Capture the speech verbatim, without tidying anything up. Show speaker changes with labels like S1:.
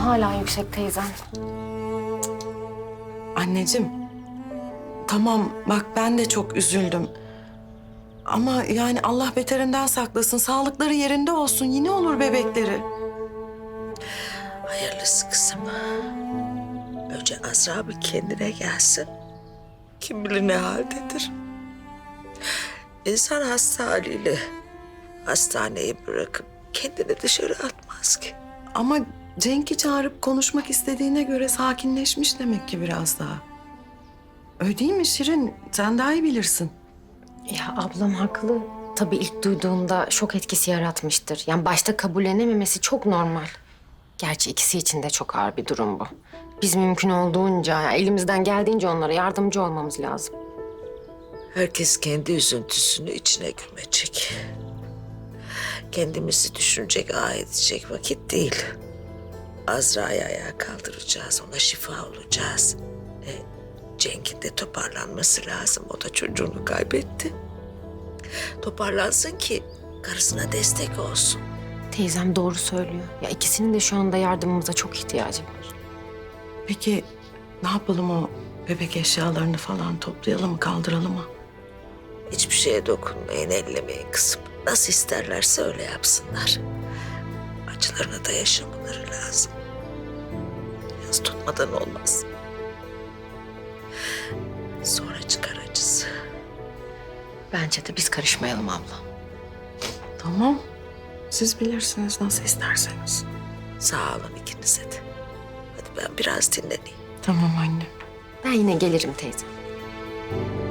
S1: hala yüksek teyzem.
S2: Anneciğim, tamam bak ben de çok üzüldüm. Ama yani Allah beterinden saklasın. Sağlıkları yerinde olsun. Yine olur bebekleri.
S3: Hayırlısı kızım. Önce Azra bir kendine gelsin. Kim bilir ne haldedir. İnsan hasta haliyle hastaneyi bırakıp kendini dışarı atmaz ki.
S2: Ama Cenk'i çağırıp konuşmak istediğine göre sakinleşmiş demek ki biraz daha. Öyle değil mi Şirin? Sen daha iyi bilirsin.
S1: Ya ablam haklı. Tabii ilk duyduğunda şok etkisi yaratmıştır. Yani başta kabullenememesi çok normal. Gerçi ikisi için de çok ağır bir durum bu. Biz mümkün olduğunca, yani elimizden geldiğince onlara yardımcı olmamız lazım.
S3: Herkes kendi üzüntüsünü içine gömecek. Kendimizi düşünecek, ah edecek vakit değil. Azra'yı ayağa kaldıracağız, ona şifa olacağız. E, Cenk'in de toparlanması lazım. O da çocuğunu kaybetti. Toparlansın ki karısına destek olsun.
S1: Teyzem doğru söylüyor. Ya ikisinin de şu anda yardımımıza çok ihtiyacı var.
S2: Peki ne yapalım, o bebek eşyalarını falan toplayalım mı, kaldıralım mı?
S3: Hiçbir şeye dokunmayın, ellemeyin kızım. Nasıl isterlerse öyle yapsınlar. Acılarını da yaşamaları lazım. Yaz tutmadan olmaz. Sonra çıkar acısı.
S1: Bence de biz karışmayalım abla.
S2: Tamam. Siz bilirsiniz, nasıl isterseniz.
S3: Sağ olun ikinize de. Hadi ben biraz dinleneyim.
S2: Tamam anne.
S1: Ben yine gelirim teyze.